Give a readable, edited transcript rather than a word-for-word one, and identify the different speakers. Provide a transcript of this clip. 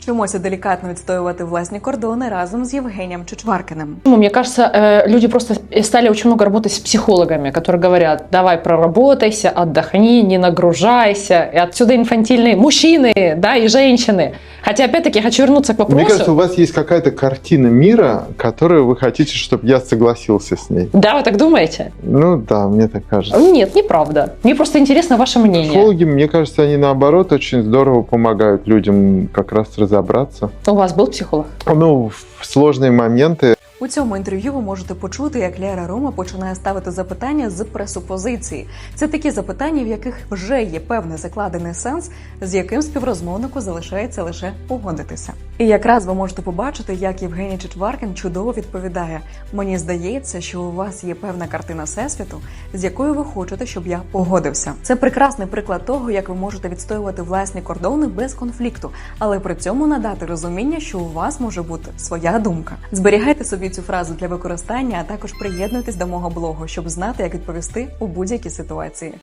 Speaker 1: Вчимося делікатно відстоювати власні кордони разом з Євгенієм Чичваркіним.
Speaker 2: Мне кажется, люди просто стали очень много работать с психологами, которые говорят: давай проработайся, отдохни, не нагружайся. И отсюда инфантильные мужчины, да, и женщины. Хотя, опять-таки, хочу вернуться к вопросу.
Speaker 3: Мне кажется, у вас есть какая-то картина мира, которую вы хотите, чтобы я согласился с ней.
Speaker 2: Да, вы так думаете?
Speaker 3: Ну да, мне так кажется.
Speaker 2: Нет, неправда. Мне просто интересно ваше мнение.
Speaker 3: Психологи, мне кажется, они наоборот очень здорово помогают людям как раз разобраться.
Speaker 2: У вас был психолог?
Speaker 3: Ну, в сложные моменты.
Speaker 1: У цьому інтерв'ю ви можете почути, як Лера Рома починає ставити запитання з пресупозиції. Це такі запитання, в яких вже є певний закладений сенс, з яким співрозмовнику залишається лише погодитися. І якраз ви можете побачити, як Євгеній Чичваркін чудово відповідає: «Мені здається, що у вас є певна картина всесвіту, з якою ви хочете, щоб я погодився». Це прекрасний приклад того, як ви можете відстоювати власні кордони без конфлікту, але при цьому надати розуміння, що у вас може бути своя думка. Зберігайте собі цю фразу для використання, а також приєднуйтесь до мого блогу, щоб знати, як відповісти у будь-якій ситуації.